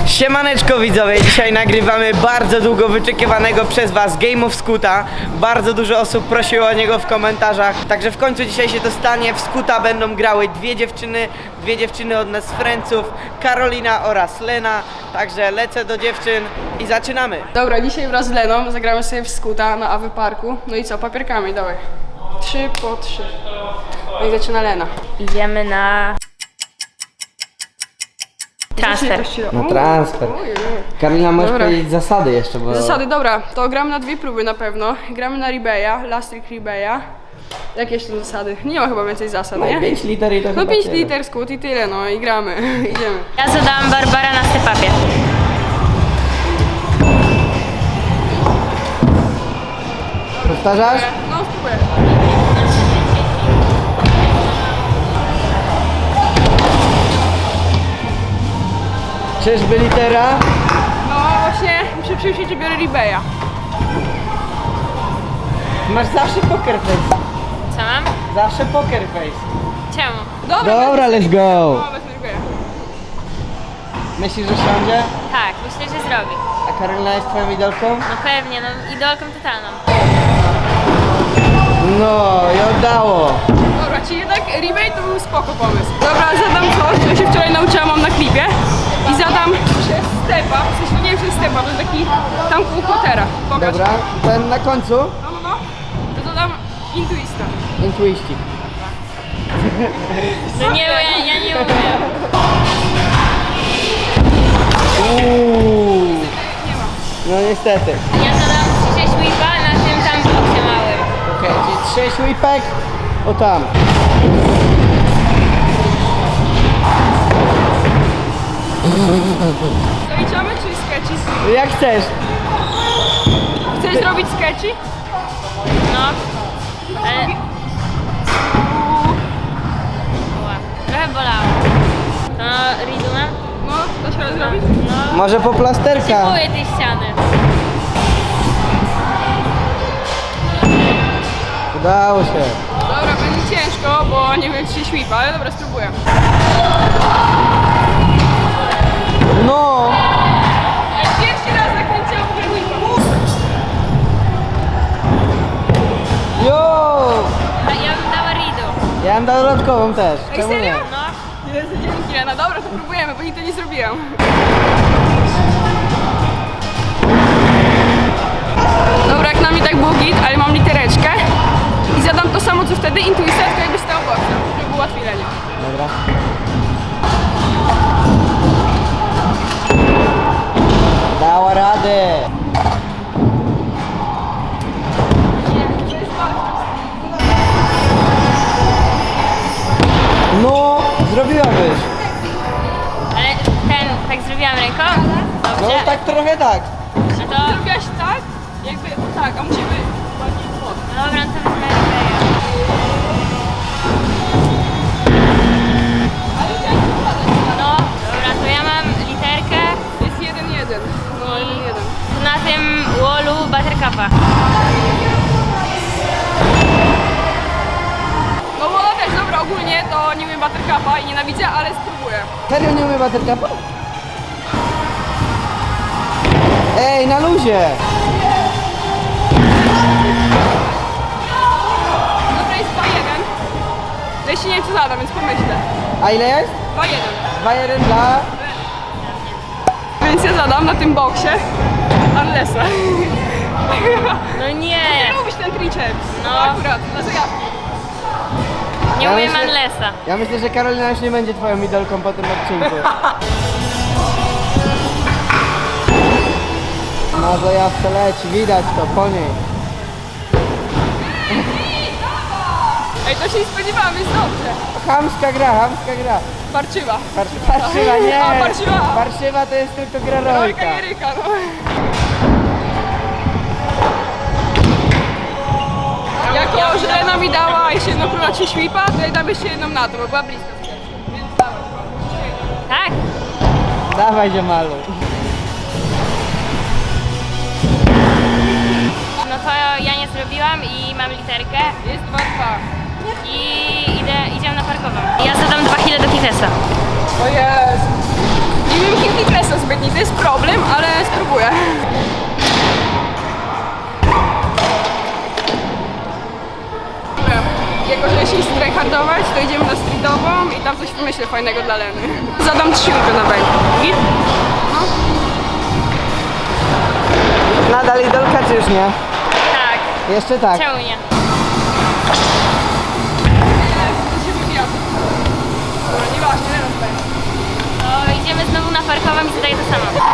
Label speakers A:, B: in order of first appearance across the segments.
A: Siemaneczko widzowie, dzisiaj nagrywamy bardzo długo wyczekiwanego przez was Game of Scoota. Bardzo dużo osób prosiło o niego w komentarzach, także w końcu dzisiaj się to stanie. W Scoota będą grały dwie dziewczyny od nas Franców, Karolina oraz Lena. Także lecę do dziewczyn i zaczynamy.
B: Dobra, dzisiaj wraz z Leną zagramy sobie w Scoota na Awy Parku. No i co, papierkami, dawaj. 3 po 3. No i zaczyna Lena.
C: Idziemy na transfer.
A: Na transfer. Karolina, możesz
B: Dobra.
A: powiedzieć zasady jeszcze, bo...
B: Zasady, dobra, to gramy na 2 próby na pewno. Gramy na Ribeya, Last Trick Ribeya. Jakie jeszcze zasady? Nie ma chyba więcej zasad,
A: No
B: nie?
A: 5 liter i to
B: No
A: chyba
B: 5
A: tyle.
B: liter Scoot i tyle, no i gramy. Idziemy.
C: Ja zadałam Barbara na stepapie.
A: Powtarzasz?
B: No spróbuję.
A: Czyżby litera?
B: No właśnie, muszę przyjrzeć, że biorę Ribeya.
A: Masz zawsze poker face.
C: Co mam?
A: Zawsze poker face.
C: Czemu?
A: Dobra, let's go.
B: No, wezmę Ribeya.
A: Myślisz, że siądzie?
C: Tak, myślę, że zrobi.
A: A Karolina jest twoją idolką?
C: No pewnie, no idolką totalną.
A: No, i oddało.
B: Dobra, czyli jednak Ribey to był spoko pomysł. Dobra, zadam coś, co się wczoraj nauczyłam, mam na klipie. I zadam przez stepa, w sensie nie przez stepa, to jest taki tam koło kotera. Pokaż.
A: Dobra, ten na końcu.
B: No. To dodam intuista.
A: Intuiścik.
C: No nie, ja nie umiem.
A: Uuu.
B: Nie ma.
A: No niestety.
C: Ja zadałam 6 whipa na tym tam boksie małym.
A: Okej, czyli 6 whipek. O tam.
B: Zaliczamy czy sketchy?
A: Jak chcesz.
B: Chcesz zrobić sketchy?
C: No. Ale... Ła, trochę bolało. No, Riduna?
B: No, dasz radę zrobić?
C: No.
A: Może po plasterka.
C: Kupuję tej ściany.
A: Udało się.
B: Dobra, będzie ciężko, bo nie wiem czy się świpa, ale dobra, spróbuję.
A: No.
B: Pierwszy raz nakręciłam w ogóle whipa.
A: Jo.
C: A ja bym dała Ridu.
A: Ja bym dał dodatkową też.
B: Ej,
A: Czemu nie?
B: serio?
C: No.
B: Jezu, dzięki Lena. Dobra, to próbujemy, bo nigdy nie zrobiłam. Dobra, jak na mnie tak było git, ale mam litereczkę. I zadam to samo co wtedy, intuicja, tylko jakby stał boksem, żeby było łatwiej Lenie.
A: Dobra. Dała radę. No, zrobiłabyś.
C: Ale ten, tak zrobiłam ręką?
A: No
C: Dobrze.
A: tak trochę tak.
C: No to...
B: Zrobiłaś tak, jakby tak, a musimy bardziej pod.
C: No dobra, no to wezmę Ribeya.
B: Ale chciałam podać.
C: No, dobra, to ja mam literkę.
B: Jest 1-1. No, 1-1.
C: To na tym wallu Buttercupa.
B: No bo też, dobra, ogólnie to nie umiem Buttercupa i nienawidzę, ale spróbuję.
A: Serio nie umie buttercupa? Ej, na luzie.
B: Dobra, jest 2-1. Ja jeszcze nie wiem co zadam, więc pomyślę.
A: A ile jest?
B: 2-1.
A: 2-1 dla...
B: Więc ja zadam na tym boksie Arlesa.
C: No nie,
B: Lubisz ten triceps?
C: No.
B: Akurat, na zajawki.
C: nie
A: Ja
C: umiem
A: myślę-
C: Anlesa.
A: Ja myślę, że Karolina już nie będzie twoją idolką po tym odcinku. Na zajawce leci, widać to po niej.
B: Ej, to się nie spodziewałam, jest dobrze.
A: Chamska gra.
B: Parczywa.
A: Parszywa, nie!
B: A, parszywa.
A: Parszywa to jest tylko gra rolka.
B: Rolka i ryka, no. Jako, że Lena mi dała jeszcze jedną króla ci świpa, to ja dam jeszcze jedną na to, bo była blisko. Więc dawaj,
C: Tak?
A: Dawaj, ziemalu.
C: No to ja nie zrobiłam i mam literkę
B: jest 2-2.
C: i idziemy na parkową. Ja zadam 2 kile do Kitesa.
B: O Jezu. Nie wiem, kim Kresa zbytni, to jest coś wymyślę fajnego dla Leny. Zadam 3 łupy na bęk. Git?
A: Nadal idolka czy już nie?
C: Tak,
A: Jeszcze tak.
C: czemu nie?
B: To się wybija. Dobra, nieważne, Lena tutaj.
C: To idziemy znowu na parkową i zadaję to samo.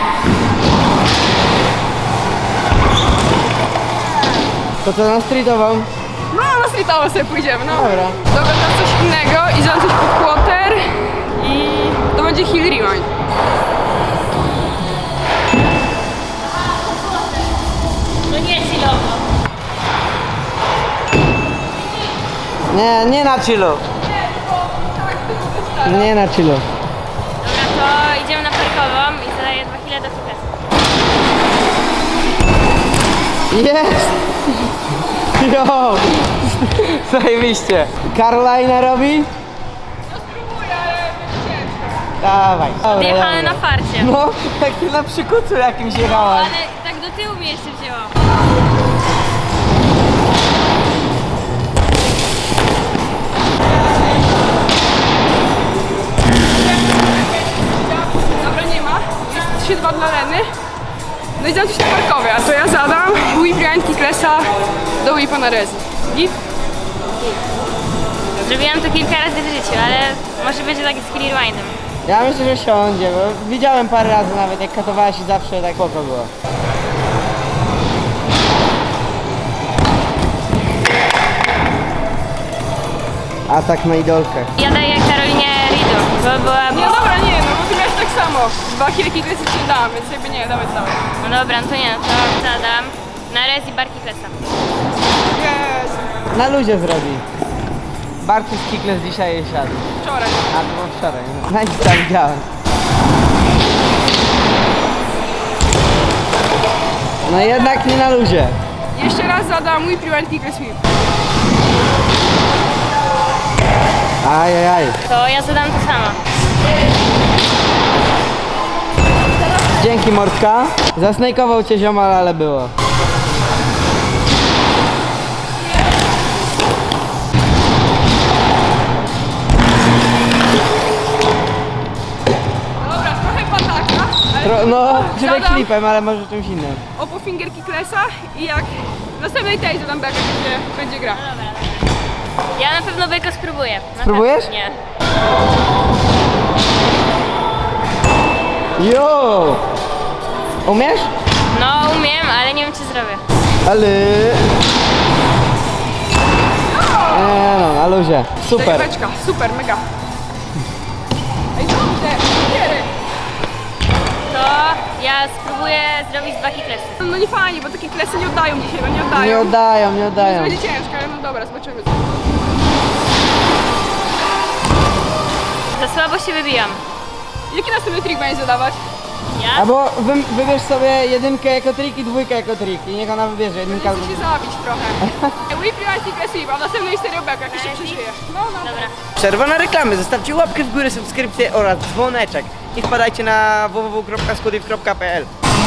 A: To co, na streetową?
B: No, na streetowo sobie pójdziemy, no.
A: Dobra.
B: Dobra, teraz coś innego i zadam coś pod quarter i to będzie hill rewind.
C: No nie chillowo.
A: Nie na chillu. Nie na chillu.
C: Dobra, to idziemy na parkową i zadaję 2 kile do fitnessu.
A: Jest! Jo! Zajebiście. Karolina robi?
B: No spróbuję, ale będzie ciężko.
A: Dawaj. Dobra,
C: Wjechane
A: dobra.
C: na farcie.
A: No, tak ty na przykucu jakimś jechałaś.
C: Ale tak do tyłu mnie jeszcze wzięło.
B: Dobra, nie ma. Jest 3-2 dla Leny. No i zadam coś na parkowie, a to ja zadam whip rewind kicklessa do whipa na rezi. Git?
C: Zrobiłam to kilka razy w życiu, ale może będzie tak z hill rewindem.
A: Ja myślę, że siądzie, bo widziałem parę razy nawet, jak katowałaś i zawsze tak spoko było. Atak na idolkę.
C: Ja daję Karolinie Ridu, bo była...
B: Nie, dobra, nie, no bo ty miałeś tak samo. 2 kile kicklessy ci dałam, więc jakby nie, dawaj.
C: No dobra, no to nie, to zadam na rez i barki klesa.
B: Jest.
A: Na luzie zrobi. Bartus Kikles dzisiaj jej siadł.
B: Wczoraj.
A: A to było wczoraj. Na Insta widziałem. No jednak nie na luzie.
B: Jeszcze raz zadam whip rewind kickless whip.
A: Ajajaj.
C: To ja zadam to samo.
A: Dzięki Mordka. Zasnejkował cię ziomal, ale było.
B: Dobra, trochę pataka, ale
A: No, żeby
B: Zadam.
A: klipem, ale może czymś innym.
B: opo finger kicklessa i jak w następnej tej zadam beka, będzie gra.
C: No dobra, dobra. Ja na pewno beko spróbuję. Na
A: Spróbujesz?
C: pewno. Nie.
A: Jo! Umiesz?
C: No umiem, ale nie wiem czy zrobię.
A: Ale... Nie no, na luzie. Super.
B: Beczka, super, mega. Ej, dobrze, kiery.
C: To ja spróbuję zrobić 2 kiklesy.
B: No nie fajnie, bo takie klesy nie oddają dzisiaj, no nie oddają.
A: Nie oddają, nie
B: To
A: oddają.
B: będzie ciężko, ale no dobra, zobaczymy.
C: Za słabo się wybijam.
B: Jaki następny trik będzie zadawać?
C: Ja?
A: Albo wybierz sobie jedynkę jako trik i dwójkę jako trik i niech ona wybierze jedynkę
B: Chcę
A: albo...
B: się zabić trochę. Whip rewind kickless whip, a w następnej stereo beka, jak się przeżyje. No, no.
C: Dobra.
A: Przerwa na reklamy. Zostawcie łapkę w górę, subskrypcję oraz dzwoneczek. I wpadajcie na www.skudiv.pl.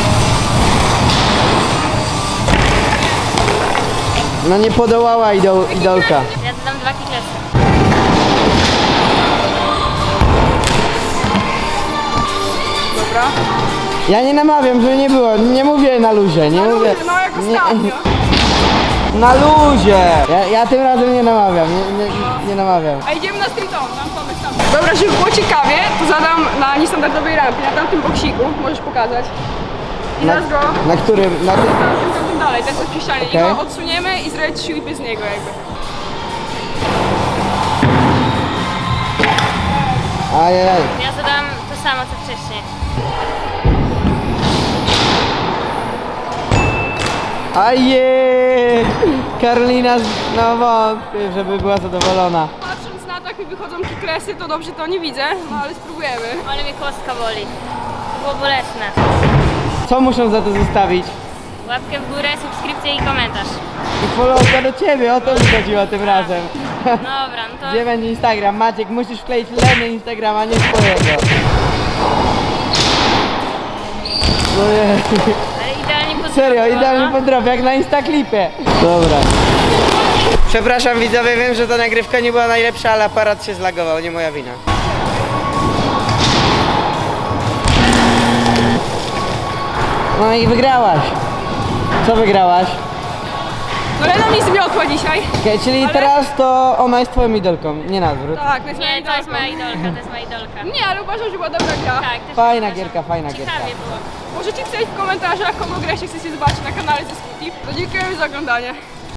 A: No nie podołała idolka.
C: Ja zadam 2 kiklesy.
B: Dobra.
A: Ja nie namawiam, żeby nie było. Nie mówię na luzie, nie
B: Na
A: mówię.
B: luzie, no jak ostatnio.
A: Na luzie! Ja tym razem nie namawiam, nie namawiam.
B: A idziemy na street on, tam pomysł tam. Dobra, żeby było ciekawie, to zadam na niestandardowej rampie, na tamtym boksiku, możesz pokazać. I
A: Na,
B: zaraz go
A: na którym? Na tym?
B: tamtym dalej, ten co przy ścianie.
A: Okej.
B: I go odsuniemy i zrobić 3 whipy z niego jakby.
A: Ajajaj.
C: Ja zadam to samo co wcześniej.
A: Ajej! Karolina, no wątpię, żeby była zadowolona.
B: Patrząc na to, jak mi wychodzą kicklessy, to dobrze to nie widzę, no ale spróbujemy.
C: Ale mnie kostka boli. To było bolesne.
A: Co muszą za to zostawić?
C: Łapkę w górę, subskrypcję i komentarz.
A: I followka do ciebie, o to mi chodziło tym razem.
C: Dobra, no to...
A: Gdzie będzie Instagram? Maciek, musisz wkleić Leny Instagrama, nie swojego. No nie.
C: Ale idealnie pod
A: Serio,
C: drogą,
A: idealny
C: no.
A: podrop, jak na Instaklipie. Dobra. Przepraszam widzowie, wiem, że ta nagrywka nie była najlepsza, ale aparat się zlagował, nie moja wina. No i wygrałaś. Co wygrałaś?
B: No Lena mi zmiotła dzisiaj.
A: Okej, czyli
B: Ale-
A: teraz to ona jest twoją idolką, nie na odwrót.
B: Tak, to jest moja
C: Nie, to jest
B: idolka.
C: moja idolka, to jest moja idolka.
B: Nie, ale uważam, że była dobra gra.
C: Tak, też
A: Fajna
C: uważam.
A: gierka, fajna gierka.
C: Ciekawie było.
B: Możecie pisać w komentarzach, kogo grę się chcecie zobaczyć na kanale ze Skutif. To dziękujemy za oglądanie.